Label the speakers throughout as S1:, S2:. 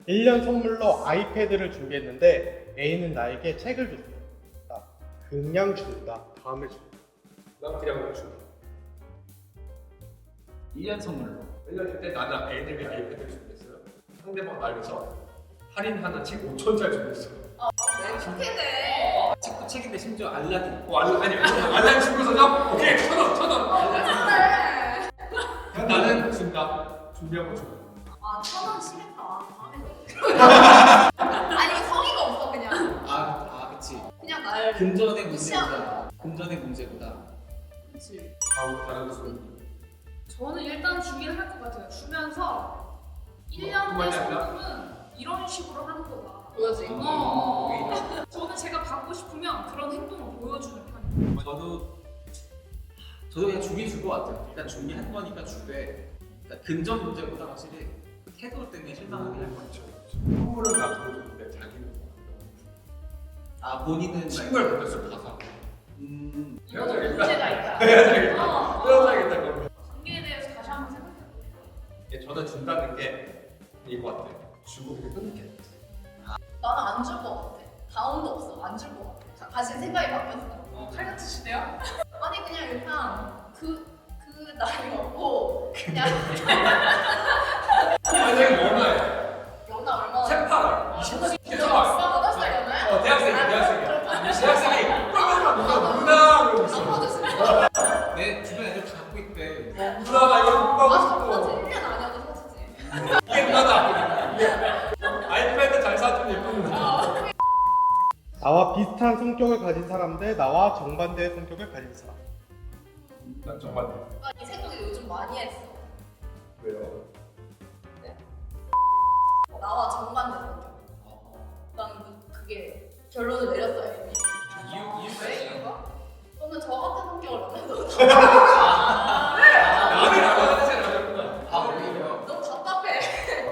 S1: 1년 선물로 아이패드를 준비했는데 A는 나에게 책을 줬다. 그냥 준다. 다음에 준다.
S2: 난 그냥 줘.
S3: 1년 선물로
S2: 1년일 때 나는 애들이 아이패드를 준비했어요. 상대방 말면서 할인하는 책 5천짜리 준비했어요.
S4: 왜 그렇게 돼?
S3: 책도 책인데 심지어 알라딘
S2: 아니 알람 준비해서 오케이 1,000원 그냥 나는 준다. 준비한 거 줘.
S4: 아, 1,000원 심했다. 다음에 아니 이거 성의가 없어 그냥.
S3: 그치
S4: 그냥 날.
S3: 금전의
S4: 무시하는
S3: 문제보다 금전의 문제보다
S4: 그렇지.
S2: 다른 수.
S5: 저는 일단 주기를 할 것 같아요. 주면서 1년 내 선물은 이런 식으로 하는 거다.
S4: 보여지.
S5: 저는 제가 받고 싶으면 그런 행동을 보여주는 편이에요.
S3: 저도 그냥 주긴 줄 것 같아요. 일단 준비한 거니까 주되 그러니까 금전 문제보다 확실히 그 태도 때문에 실망하게 할 것 같죠.
S2: 선물은 나 줘줬는데 자기는
S3: 본인은
S2: 친구를 받았어 가사.
S5: 이것도 문제가 있다.
S2: 헤어져야겠다. 헤어져야겠다 그러면.
S5: 관계에 대해서 다시 한번 생각해볼게요.
S2: 저는 준다는 게 이거 같아. 주고 그게 끊게.
S4: 나는 안 줄 것 같아. 다운도 없어. 안 줄 것 같아. 다시 생각이 바뀌었어.
S5: 칼 같으시네요?
S4: 아니 그냥 일단 그 나이 먹고 그냥
S2: 아니 얼마야?
S4: 연하 얼마나?
S2: 세팔. 20살.
S4: 8살 연하야?
S2: 대학생이. 대학생이. 누나 그러고 있어.
S4: 안 받으시네.
S3: 내 주변 애들 다 갖고 있대.
S2: 누나 나 이거 못
S4: 맞아,
S2: 받고
S4: 맞아.
S2: 싶어.
S4: 1년 아니어도 사주지.
S2: 이게 누나다. 아이패드 잘 사주면 예쁜 누나.
S1: 나와 비슷한 성격을 가진 사람 대 나와 정반대의 성격을 가진 사람.
S2: 난 정말
S4: 이 생각을 요즘 많이 했어.
S2: 왜요?
S4: 나와 정반대 성격. 나는 그게 결론을 내렸어요 이미.
S3: 이유가
S4: 왜
S3: 있어요?
S4: 이유가? 저는 저 같은 성격을 원해서
S2: 나를 알아야 되잖아.
S3: 오히려
S4: 너무 답답해.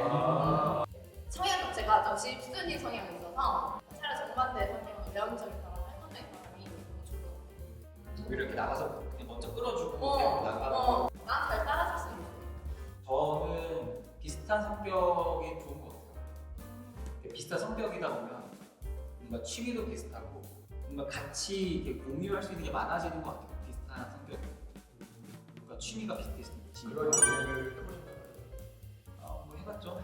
S4: 성향 자체가 좀 집순이 성향이 있어서 차라리 정반대 성격은 외향적인 사람, 활동적인 사람이 좋아.
S3: 오히려 이렇게 나가서 그냥 먼저 끌어주고 그냥 나가는
S4: 난 잘 따라줄 수 있어.
S3: 저는 비슷한 성격이 좋은 것 같아요. 비슷한 성격이다 보면 뭔가 취미도 비슷하고 뭔가 같이 이렇게 공유할 수 있는 게 많아지는 것 같아요. 비슷한 성격. 뭔가 취미가 비슷해지니까.
S2: 그런 연애를 해보셨나요?
S3: 뭐 해봤죠.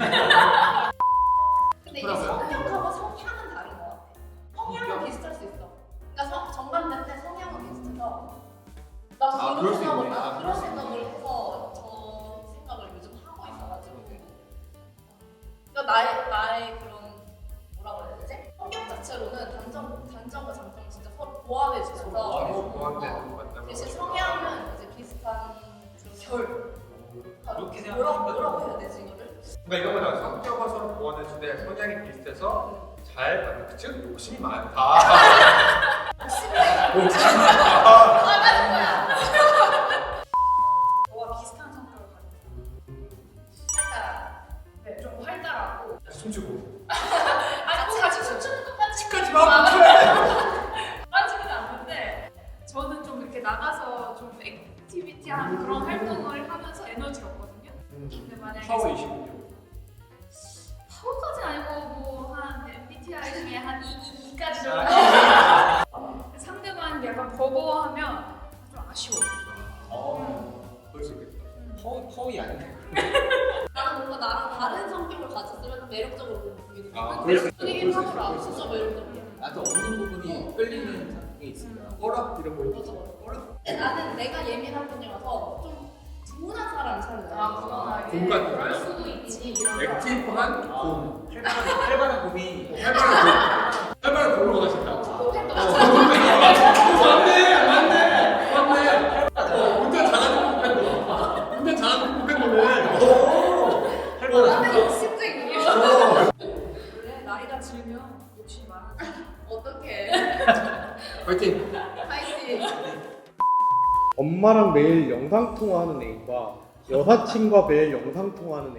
S4: 근데 이게
S3: 그러고요.
S4: 성격하고 성향은 다른 것 같아. 성향은 비슷할 수 있어. 그러니까 정반대인데 성향은 비슷해서 난
S3: 그럴
S4: 그런
S3: 수
S4: 생각을
S3: 있네.
S4: 나 그런 생각을 해서 저 생각을 요즘 하고 있어가지고. 그러니까 나의 그런 뭐라 그래야 되지? 성격 자체로는 단점과 장점을 진짜 서로 보완해 주셔서
S2: 보완되는 거 맞다고.
S4: 대신 성향은 이제 비슷한 그런
S3: 그렇게
S4: 뭐라고 해야 되지 이거를?
S2: 그러니까 이런 거잖아. 성격과 서로 보완해주되 성향이 비슷해서 잘 맞는 그 친구 욕심이 많다. 욕심이 많다.
S4: 나가는 거야.
S5: 저와 비슷한 성격을 가진
S4: 살짝
S5: 네, 좀 활달하고
S2: 숨쉬고.
S5: 같이 춤추는 것까지
S2: 치까지 마.
S5: 빠지는 않는데 저는 좀 이렇게 나가서 좀 액티비티한 그런 활동을 하면서 에너지가 없거든요. 근데 만약에
S2: 파워 26.
S5: 파워까지는 아니고 뭐한 MBTI 중에 한 2까지 정도 상대방이 약간 버거워하면 좀 아쉬워.
S2: 그럴 수 있겠다.
S3: 퍼이 아니네.
S4: 나는 뭔가 나랑 다른 성격을 가졌으면 매력적으로 보이는
S2: 아,
S4: 거야.
S2: 그럴 수 있-
S4: 분위기
S2: 그럴 수
S4: 하더라.
S2: 있-
S4: 진짜 매력적이야.
S3: 나도 없는 부분이 끌리는 게 있습니다.
S2: 허락 이런 거
S4: 맞아
S2: 있지.
S4: 맞아. 근데 나는 내가 예민한 편이라서 좀 둔한 사람을 찾는 거야.
S5: 그거나
S2: 공 같은
S5: 그럴
S2: 거요?
S5: 수도 있지. 이런 거.
S2: 액티브한 곰.
S3: 활발한 곰이
S2: 할만한 곰으로 가신다.
S4: 팬도
S2: 맞네. 운전 잘하는 곰. 운전 잘하는 곰.
S4: 나는 욕심쟁이야.
S5: 원래 나이가 들면 욕심이 많아져.
S4: 어떡해.
S2: 화이팅.
S4: 파이팅.
S1: 엄마랑 매일 영상 통화하는 A과 여사친과 매일 영상 통화하는 A.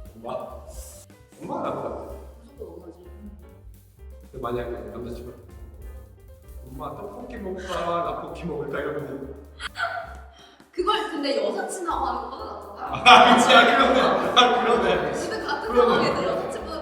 S2: 엄마 나은 것 같아.
S4: 무조건 엄마지.
S2: 근데 만약에 남자친구 엄마 떡볶이 먹을까 라볶이 먹을까 이러면
S4: 그걸 근데 여사친하고 하는 것보다 낫잖아.
S2: 그치 그러네. 그러네.
S4: 지금 같은
S2: 그러네.
S4: 상황에서 여사친보다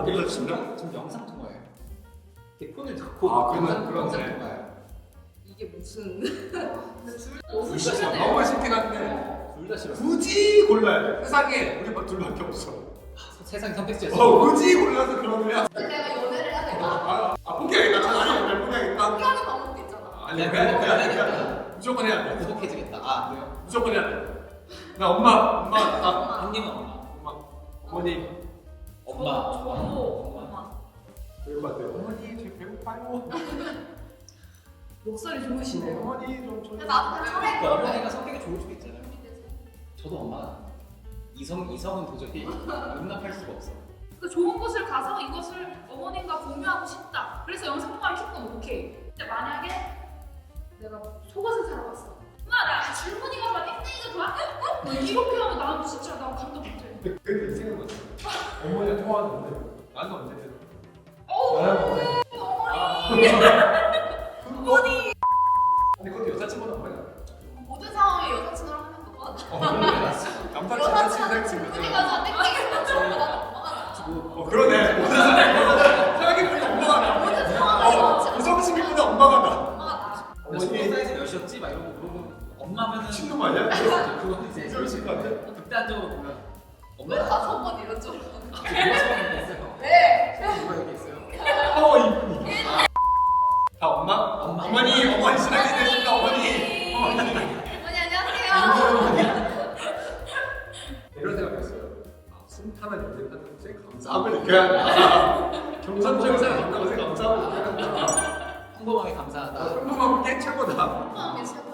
S2: 거기서 진짜?
S3: 지금 영상 통화예요. 이렇게 폰을 듣고
S2: 아, 그러네,
S3: 영상
S2: 그러네.
S3: 통화예요.
S4: 이게 무슨
S5: 너무
S3: 둘다
S5: 싫은데.
S2: 너무 쉽긴 한데
S3: 둘 다 싫어.
S2: 굳이 골라야 돼. 세상에 우리 둘밖에 없어.
S3: 세상 선택지였어.
S2: 굳이 골라서 그러면
S4: 내가 연애를 해야 될까?
S2: 포기하겠다. 차라리 날 포기하겠다.
S4: 포기하는 방법도 있잖아.
S2: 아니
S3: 내가
S2: 그냥
S3: 그거
S2: 그냥
S3: 해야겠다.
S2: 무조건 해야 돼.
S3: 행복해지겠다. 아, 그래요?
S2: 무조건 해야 돼. 나 엄마 나
S3: 형님은 엄마.
S2: 엄마 어머니
S3: 엄마.
S5: 저도 엄마.
S2: 그럴 것 같아요. 어머니 저 배고파요.
S5: 목소리 좋으시네요.
S2: 어머니 좀
S4: 근데 나도 그냥 차라리
S3: 그러니까
S4: 그거를
S3: 어머니가 성격이 좋을 수도 있잖아요. 저도 엄마가 이성은 도저히 용납할 수가 없어.
S5: 그 좋은 곳을 가서 이것을 어머님과 공유하고 싶다. 그래서 영상 통화를 켰건 오케이. 근데 만약에 내가 속옷을 사러 갔어. 엄마 나 줄무늬가 좋아, 땡땡이가 좋아? 뭐 이렇게 하면 나는 진짜 나 감동 못해.
S2: 근데 이 생각났어. 어머니가 통화하는데 나는 언제 되나?
S5: 어머니.
S2: 어머니. 근데 그것도 여자친구는 어머니 알아.
S4: 모든 상황에 여자친구랑 하는 거봐.
S2: 남자친구
S4: 여자친구한테
S2: 친구
S4: 줄무늬 가서 땡땡이가 좋아. 나는 엄마가 나.
S2: 그러네. 모든 사람이 생각해보니까 엄마가 나.
S4: 모든 상황에
S2: 우성친구보다 엄마가 나.
S4: 엄마가 나.
S3: 어머니 사이즈 몇이었지? 막 이런 거 물어보면 엄마면은
S2: 친구 아니야?
S3: 그건 이제
S2: 그러실 것 같아.
S3: 극단적으로 보면
S4: 왜
S3: 엄마가
S4: 다섯 번 이런 쪽으로?
S3: 누가 처음에 있어요.
S4: 왜?
S3: 누가 여기 있어요.
S2: 이분이. 다 엄마? 어머니 시작이 되신다 어머니.
S4: 어머니 안녕하세요.
S2: 이런 생각했어요. 순탄한 연애 하는 제 감사함을 느껴야 한다. 경선적인 생각 감사함을 느껴야 한다.
S3: 평범하게 감사하다.
S2: 평범한 게 최고다.
S4: 엄마가 게 최고야.